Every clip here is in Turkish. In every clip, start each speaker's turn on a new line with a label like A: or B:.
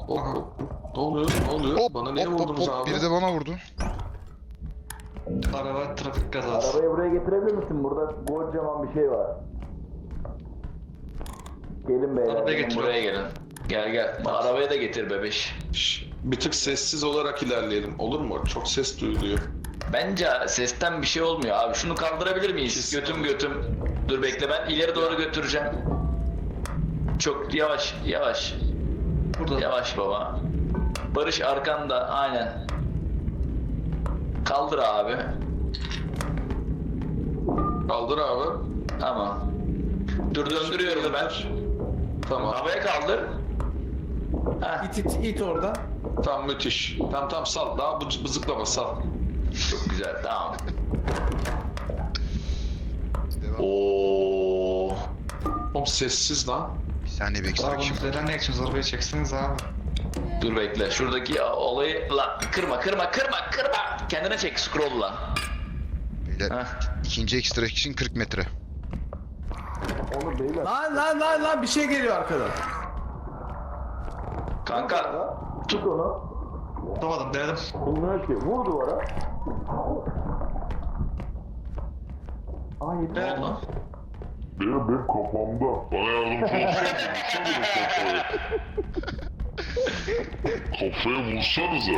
A: Aha. Ne oluyor? Ne oluyor?
B: Hop
A: Bana niye
B: hop hop
A: vurdunuz
B: hop.
A: abi?
B: Biri de bana vurdu.
C: Araba trafik kazası.
D: Arabayı buraya getirebilir misin? Burada kocaman bir şey var. Gelin beyler.
C: Arabaya
D: gelin
C: getir.
E: Buraya gelin. Gel gel. Arabaya da getir bebeş.
A: Şş, bir tık sessiz olarak ilerleyelim. Olur mu? Çok ses duyuluyor.
E: Bence sesten bir şey olmuyor abi. Şunu kaldırabilir miyiz? Götüm götüm. Dur bekle, ben ileri doğru götüreceğim. Çok yavaş yavaş.
C: Burada.
E: Yavaş baba. Barış arkanda, aynen. Kaldır abi.
A: Kaldır abi.
E: Tamam. Dur döndürüyorum ben.
A: Tamam.
E: Havaya kaldır. Heh,
F: İt oradan.
A: Tamam müthiş. Tamam sal. Daha bızıklama sal.
E: çok güzel, tamam.
B: Devam.
E: Oo.
A: Oğlum sessiz lan.
B: Bir saniye bir
C: Abi
B: ekstra
C: bunu
B: kim?
C: neden ne içiniz? Arabayı çekseniz abi.
E: Dur bekle. Şuradaki olayı la kırma. Kendine çek scroll'la.
B: Beyler
E: Heh.
B: ikinci extraction 40 metre.
D: Onu beyler.
F: Lan bir şey geliyor arkadan.
E: Kanka
D: Tut onu.
C: Tutamadım, denedim.
D: Bilmiyorum ki. Vur duvara. Ay
E: ne oldu lan?
G: Benim kafamda. Bana yardımcı olsana kafaya vursanıza.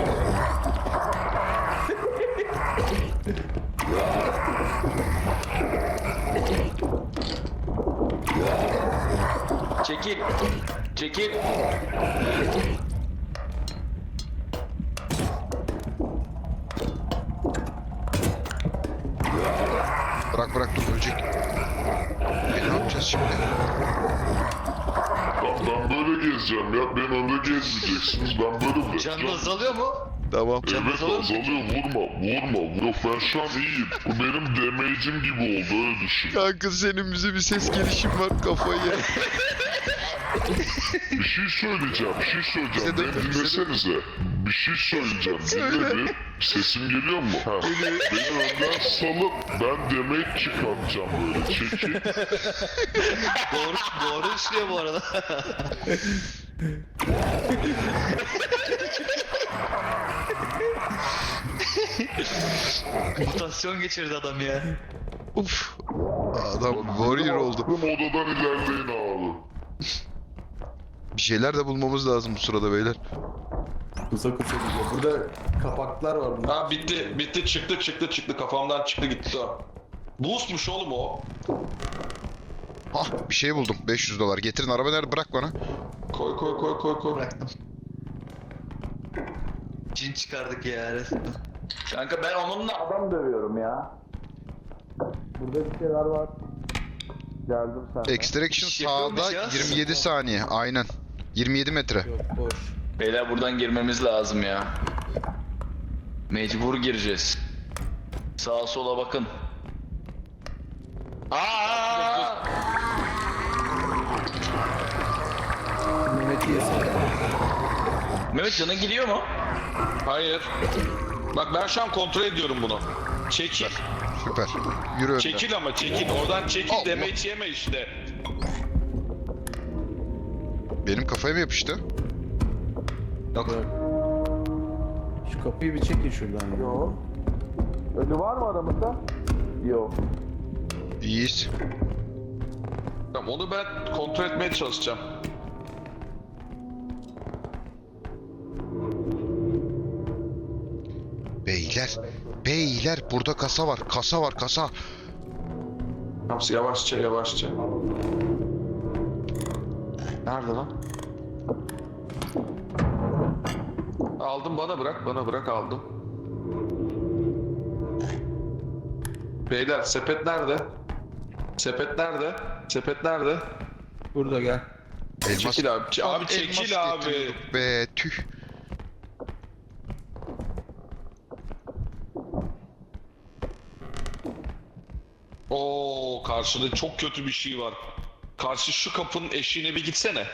E: Çekil. Çekil.
B: Bırak dur ölecek. Ne yapacağız şimdi?
G: Ben böyle gezeceğim ya. Ben önde gezmeyeceksiniz. Ben böyle de.
C: Canın azalıyor mu?
B: Tamam.
G: Evet azalıyor. Vurma. Yok ben şu an iyiyim. Bu benim damage'im gibi oldu öyle düşün.
B: Kanka senin bize bir ses gelişim var kafayı yer.
G: Bir şey söyleyeceğim.
B: Bize de-
G: Beni dinlesenize. Bir şey söyleyeceğim. Dinle bir. Sesim geliyor mu? Ha. Beni önden salıp ben damage çıkartacağım böyle. Çekil.
C: Doğru işliyor bu arada. Mutasyon geçirdi adam ya.
B: Uf. Adam warrior oldu.
G: Bu odadan ilerleyin abi.
B: Bir şeyler de bulmamız lazım bu sırada beyler.
F: Kusa gidiyor. Burada kapaklar var. Burada.
A: Ha bitti çıktı kafamdan çıktı gitti o. Boostmuş oğlum o.
B: Hah bir şey buldum. 500 dolar. Getirin araba nerede? Bırak bana.
A: Koy.
C: Bıraktım. Cin çıkardık ya resmen.
E: Kanka ben onunla
D: adam dövüyorum ya. Burada bir şeyler var. Geldim sen.
B: Extraction
C: İş yapıyormuş
B: sağda
C: ya.
B: 27 saniye. Aynen. 27 metre.
F: Yok boş.
E: beyler buradan girmemiz lazım ya. Mecbur gireceğiz. Sağa sola bakın. Aa!
F: Mehmet'i yesin.
E: Mehmet canın gidiyor mu?
A: Hayır. Bak ben şu an kontrol ediyorum bunu. Çekil.
B: Süper. Yürü önden.
A: Çekil ama çekil. Oradan çekil
B: Allah.
A: damage yeme işte.
B: Benim kafaya mı yapıştı?
C: Yok.
F: Şu kapıyı bir çekin şuradan. Ya.
D: Yok. Ölü var mı aramızda? Yok.
B: İyiyiz.
A: Tamam onu ben kontrol etmeye çalışacağım.
B: Beyler burada kasa var. Kasa.
A: Tamam yavaşça.
C: Nerede lan?
A: Aldım bana bırak aldım. Beyler sepet nerede? Sepet nerede?
F: Burada gel.
B: Elmas.
A: Çekil abi. Abi
B: Elmas
A: çekil abi.
B: getiriyorduk Be tüh.
A: Oo karşıda çok kötü bir şey var. Karşı şu kapının eşiğine bir gitsene.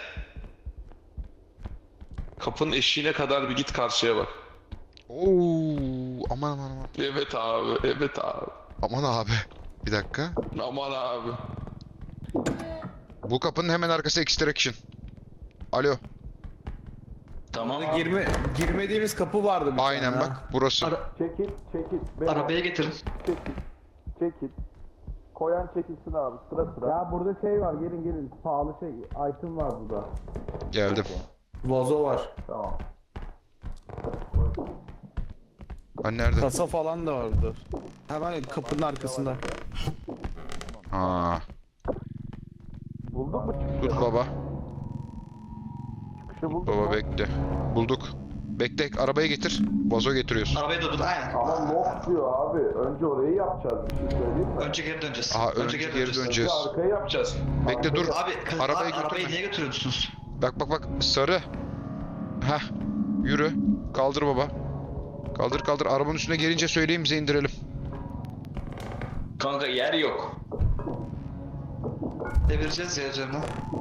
A: Kapının eşiğine kadar bir git karşıya bak.
B: Oo, aman.
A: Evet abi.
B: Aman abi. Bir dakika.
A: Aman abi.
B: Bu kapının hemen arkası extraction. Alo.
E: Tamam.
F: Girmediğimiz kapı vardı bir
B: Aynen
F: tane.
B: bak burası.
D: Çekil. Beyler,
C: Arabaya getirin.
D: Çekil. Koyan çekilsin abi sıra. Ya burada şey var gelin. Pahalı item var burada.
B: Geldim.
F: Vazo var.
D: Tamam.
B: Ben nerede?
F: Kasa falan da vardı. Hemen kapının arkasında.
B: Ha.
D: Bulduk mu
B: Dur baba.
D: çıkışı bulduk
B: Baba
D: mu?
B: bekle. Bulduk. Bekle arabayı getir. Vazo getiriyorsun.
C: Arabaya da dur. Aynen.
D: Ama lock diyor abi. Önce orayı yapacağız. Bir şey söyleyeyim mi?
C: Önce geri döneceğiz.
B: Aha önce geri döneceğiz.
D: Önce arkayı yapacağız.
B: Bekle dur.
C: Abi
B: Arabayı
C: arabayı
B: götürme.
C: niye götürüyorsunuz?
B: Bak sarı. Heh. Yürü. Kaldır baba. Kaldır. Arabanın üstüne gelince söyleyin bize indirelim.
E: Kanka yer yok.
C: Devireceğiz ya üzerine.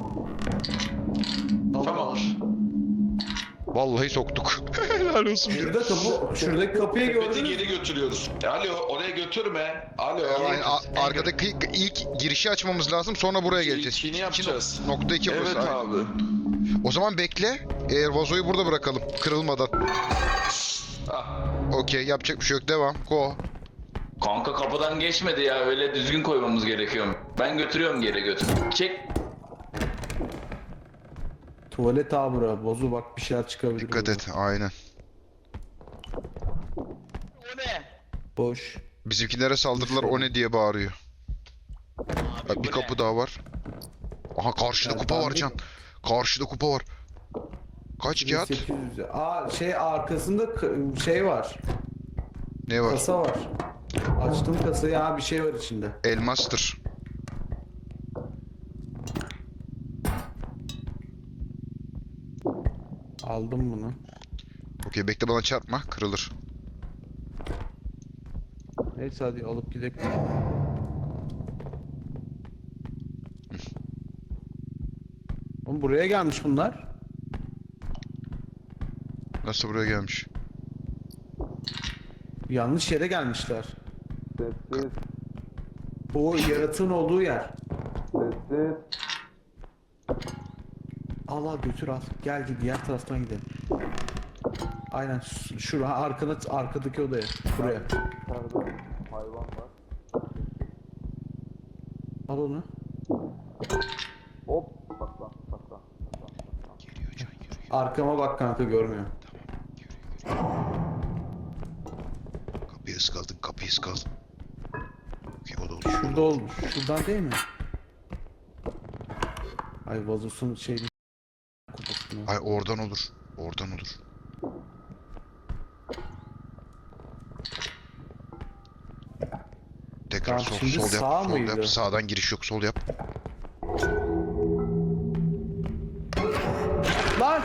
E: Tamam.
C: Olur.
B: Vallahi soktuk. Helal olsun.
F: Şuradaki kapıyı
A: Sepeti
F: gördünüz mü?
A: geri götürüyoruz. Alo oraya götürme. Alo.
B: Yani arkadaki ilk girişi açmamız lazım sonra buraya geleceğiz.
A: İlkini yapacağız.
B: Nokta 2 burası.
A: Evet
B: Aynen.
A: abi.
B: O zaman bekle. Vazoyu burada bırakalım. Kırılmadan.
A: Ah.
B: Okey yapacak bir şey yok. Devam. Go.
E: Kanka kapıdan geçmedi ya, öyle düzgün koymamız gerekiyor. Ben götürüyorum geri götür. Çek.
F: Tuvalet abura. Bozu bak bir şeyler çıkabilir.
B: Dikkat
F: buradan.
B: et. Aynen.
E: O ne?
F: Boş.
B: Bizimkilere saldırdılar. O ne diye bağırıyor.
E: Abi, bu
B: Bir
E: ne?
B: kapı daha var. Aha karşıda
F: Ya
B: kupa
F: ben
B: var
F: bir-
B: Can. Karşıda kupa var. Kaç kağıt?
F: 800. Arkasında şey var.
B: Ne var?
F: Kasa var. Açtım kasayı, bir şey var içinde.
B: Elmastır.
F: Aldım bunu.
B: Okey bekle bana çarpma. Kırılır.
F: Neyse hadi alıp gidelim. Oğlum buraya gelmiş bunlar.
B: Nasıl buraya gelmiş?
F: Yanlış yere gelmişler.
D: Sessiz.
F: O yaratığın olduğu yer.
D: Sessiz.
F: Al götür al. Gel diğer taraftan gidelim. Aynen şuraya arkadaki odaya. Buraya.
D: İçeride hayvan var.
F: Al onu.
D: Hop. Saklan.
F: Arkama bak kanka, görmüyor.
B: Kapıyı ıskaldın. Okey o da olur.
F: Şurada olmuş. Şuradan değil mi? Ay vazosun şeyini kupasını.
B: Ay oradan olur. Tekrar
F: Tamam, şimdi
B: sol
F: sağ
B: yap. Sol
F: mıydı?
B: yap. Sağdan giriş yok. Sol yap.
F: Lan!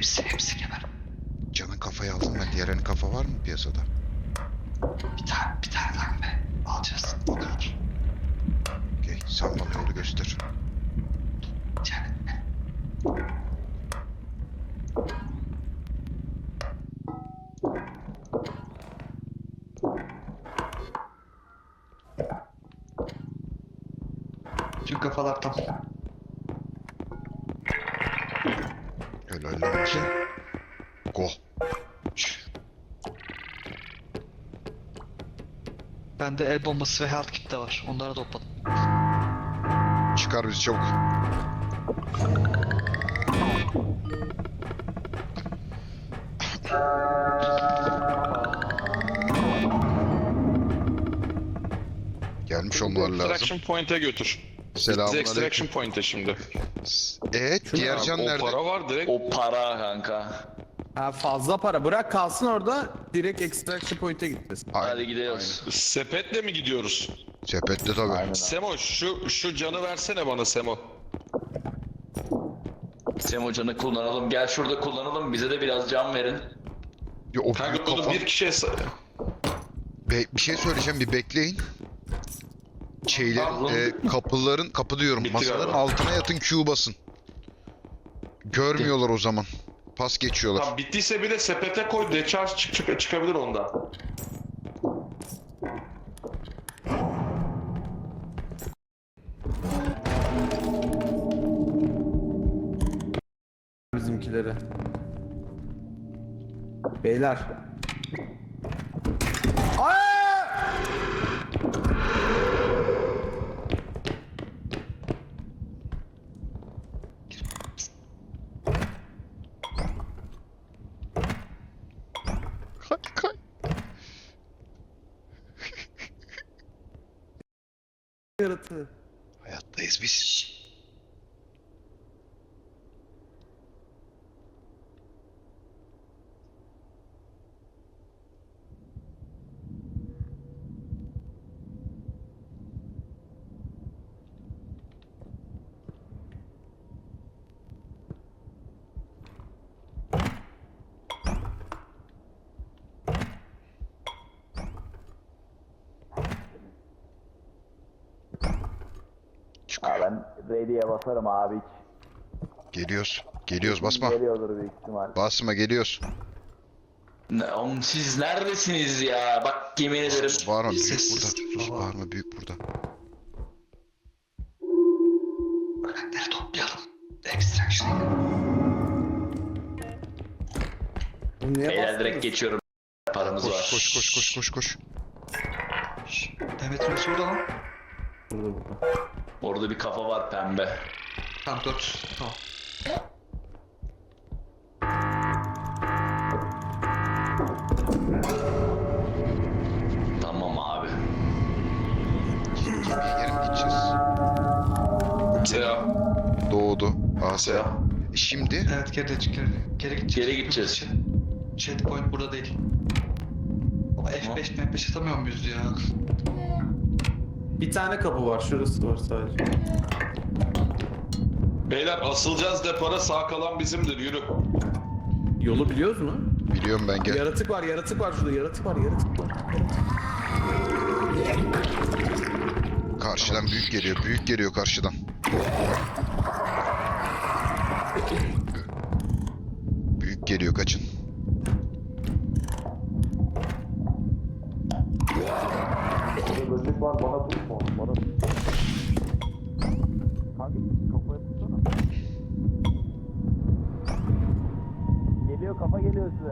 C: Hepsi geber.
B: Can'ın kafayı aldım ben. Diğerlerinin kafa var mı piyasada?
C: Bir tane lan be. Alacağız. O kadar.
B: Okey. Sen bana yolu göster.
C: Yani. Tüm kafalar tam.
B: Helal olsun. Go.
C: Bende el bombası ve health kit de var. Onları topladım.
B: Çıkar bizi çabuk. Gelmiş olmaları lazım.
A: Extraction Point'e götür. Bizi
B: Selamünaleyküm.
A: Extraction Point'e şimdi.
B: Diğer can
A: O
B: nerede?
A: para var direkt.
E: O para kanka.
F: Ha fazla para. Bırak kalsın orada. Direkt extraction point'e gideceğiz.
B: Aynen,
E: Hadi gidiyoruz.
A: Sepetle mi gidiyoruz?
B: aynen. Sepette tabii.
A: Semo şu canı versene bana Semo.
E: Semocan'ı kullanalım. Gel şurada kullanalım. Bize de biraz can verin.
B: Ya, o
A: Kanka
B: büyük
A: bunu
B: kafa...
A: bir kişiye
B: Bir şey söyleyeceğim, bir bekleyin. Şeylerin, kapıların, kapı diyorum,
A: Bitti
B: masaların
A: galiba.
B: altına yatın, Q basın. Görmüyorlar o zaman. Pas geçiyorlar.
A: Tamam, bittiyse bile sepete koy. Decharge çıkabilir ondan.
F: Bizimkileri. Beyler. Aa!
B: Kay kay.
F: Yaratığı.
B: Hayattayız biz. Çıkıyor.
H: Ben ready'ye basarım abi hiç.
B: Geliyoruz. Geliyoruz, basma.
H: Geliyordur büyük ihtimal.
B: Basma, geliyoruz.
E: Oğlum siz neredesiniz ya? Bak yemin ederim.
B: Bağırma, büyük
C: Sessiz.
B: burada. Sus, bağırma, büyük burada.
C: Öğrenleri toplayalım. Extraction.
F: Bu niye
E: Beyler
F: bastınız?
E: direkt geçiyorum. Paramız var.
B: Koş koş koş koş koş koş.
C: Demet Reis orada lan.
F: Burada burada.
E: Orada bir kafa var pembe.
C: Tamam 4. Tamam.
E: Tamam abi.
B: Gemiye geri mi gideceğiz?
A: Selam.
B: Doğdu. Asya.
A: Selam.
B: Şimdi
C: Evet geri gideceğiz.
E: Geri gideceğiz.
C: Checkpoint burada değil. Ama F5 atamıyor muyuz ya?
F: Bir tane kapı var. Şurası var sadece.
A: Beyler asılacağız depara, sağ kalan bizimdir, yürü.
F: Yolu biliyoruz mu?
B: biliyorum ben, gel.
F: Yaratık var şurada. Yaratık var.
B: Karşıdan büyük geliyor. Büyük geliyor karşıdan. Büyük geliyor, kaçın.
H: Burada böcek var bana tutma onu bana. Kanka kafaya tutsana. Geliyor kafa geliyor size.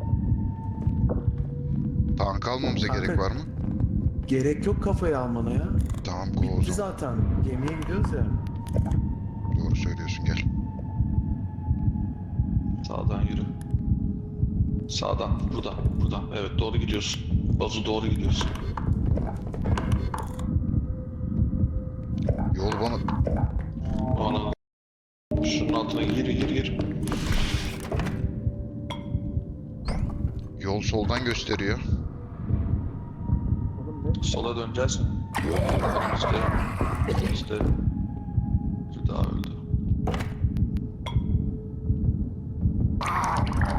B: Tank almamıza
F: Kanka.
B: gerek var mı?
F: Gerek yok kafayı almana ya.
B: Tamam, go o
F: Bitti
B: zaman.
F: zaten. Gemiye gidiyoruz ya.
B: Doğru söylüyorsun, gel.
A: Sağdan yürü. Sağdan, buradan. Evet, doğru gidiyorsun. Bazu doğru gidiyorsun.
B: Yol bana...
A: Ana. Şunun altına gir.
B: Yol soldan gösteriyor.
A: Sola döneceğiz. Önümüzde. Bir daha öldü.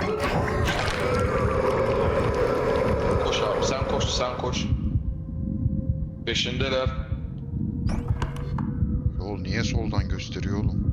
A: sen koş. Peşindeler.
B: Yol niye soldan gösteriyor oğlum?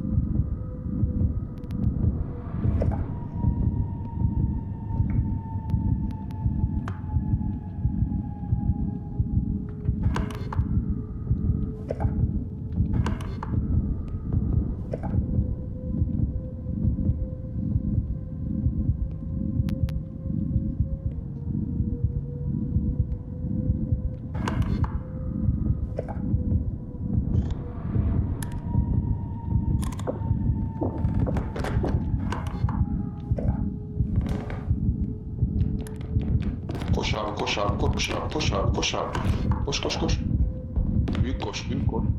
A: Koş abi, koş abi, koş abi, koş abi, koş abi. Koş, koş, koş. Büyük koş, büyük koş.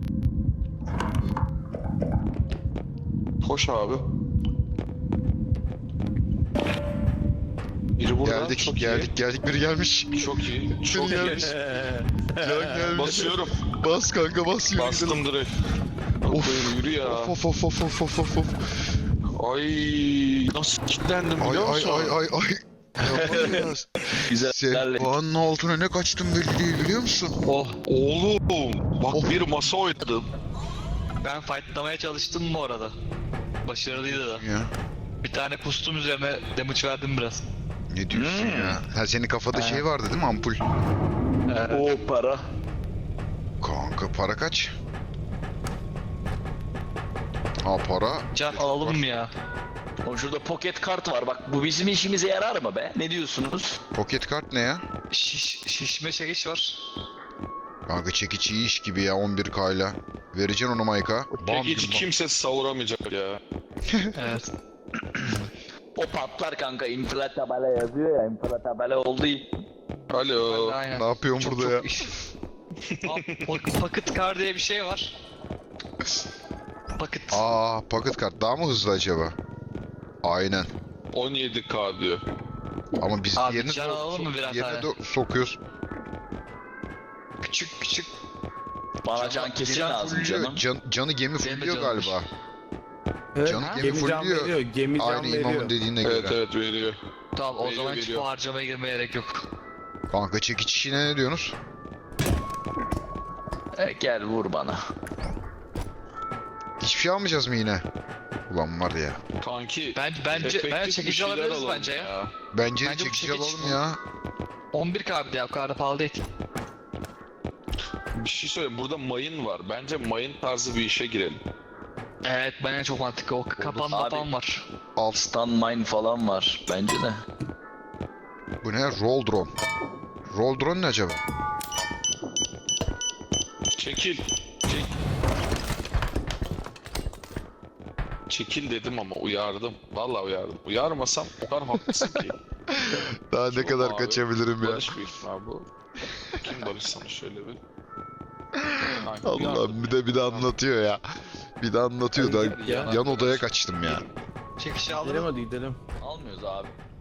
A: Koş abi. Biri burada.
B: Geldik,
A: çok
B: geldik, biri gelmiş.
A: iyi. Çok iyi. Çok
B: Biri
A: iyi.
B: gelmiş. Can gelmiş.
A: Basıyorum.
B: Bas kanka, bas, yürü gidelim.
A: Bastım direkt.
B: Of.
A: Yürü ya.
B: Of of of of of of of.
A: Ay nasıl kilitlendim
B: Ay
A: biliyor
B: ay
A: musun?
B: ay ay ay. Yapamıyoruz.
E: Güzel.
B: Sehpanın altına ne kaçtım belli değil biliyor musun?
A: Oh oğlum. Bak
B: Oh.
A: bir masa oynadım.
C: Ben fightlamaya çalıştım bu arada. Başarılıydı da.
B: Ya.
C: Bir tane pustum üzerine damage verdim biraz.
B: Ne diyorsun ya? Ha, senin kafada şey vardı değil mi, ampul?
E: O para.
B: Kanka para kaç? Ha para.
C: Can alalım mı ya?
E: Oğlum şurada pocket kart var. Bak bu bizim işimize yarar mı be? Ne diyorsunuz?
B: Pocket kart ne ya?
C: Şişme çekiç var.
B: Kanka çekiç iyi iş gibi ya 11K ile. Vereceksin onu Mike'a. Bam
A: Hiç
B: güm bam.
A: kimse savuramayacak ya.
C: Evet.
E: O patlar kanka. Inflatabele yazıyor ya. Inflatabele oldu.
A: Alo.
C: Aynen.
B: Ne yapıyorsun
C: Çok
B: burada ya?
C: çok iş. Pocket car diye bir şey var. Pocket.
B: Aa, pocket kart daha mı hızlı acaba? Aynen.
A: 17K diyor.
B: Ama biz
C: Abi,
B: yerine,
C: can alalım mı birer
B: yerine
C: tane?
B: sokuyoruz.
C: Küçük küçük.
E: Bana can kesin lazım canım.
B: Canı gemi
C: Benim de
B: fulluyor
C: canım
B: galiba.
F: Evet,
B: Canım
F: gemi can
B: fulluyor.
F: veriyor. Gemi can
B: Aynı imamın
F: veriyor.
B: dediğine
A: Evet
B: göre.
A: evet veriyor.
C: Tamam o
A: Veriyor,
C: zaman hiç
A: veriyor.
C: bu harcamaya girmeye gerek yok.
B: Kanka çekiç işine ne diyorsunuz?
E: Gel vur bana.
B: Hiçbir şey almayacağız mı yine? Ulan var ya.
A: Kanki.
C: Bence
A: efektif bir
C: çekici
A: şeyler
C: alabiliriz
A: alalım
C: bence ya.
B: Bence de
C: Bence bu
B: çekici
C: çekiç-
B: alalım ya.
C: 11K bir de ya, o kadar da pahalı değil.
A: Bir şey söyleyeyim. Burada mayın var. Bence mayın tarzı bir işe girelim.
C: Evet bence çok mantıklı. O kapan
E: Abi.
C: falan var.
E: Stun mine falan var. Bence de.
B: Bu ne? Roll drone. Roll drone ne acaba?
A: Çekil. Çekil dedim ama uyardım. Vallahi uyardım. Uyarmasam o kadar haklısın ki.
B: Daha ne
A: Çok
B: kadar
A: abi.
B: kaçabilirim ya.
A: Barış büyük ihtimal bu. Kim Barış sana şöyle bir. Kanki,
B: Allah
A: uyardım
B: bir de anlatıyor ya. Bir de anlatıyor da
A: ya.
B: yan odaya kaçtım ya.
C: Çekişi
F: Gidelim
C: alırım.
F: hadi gidelim.
E: Almıyoruz abi.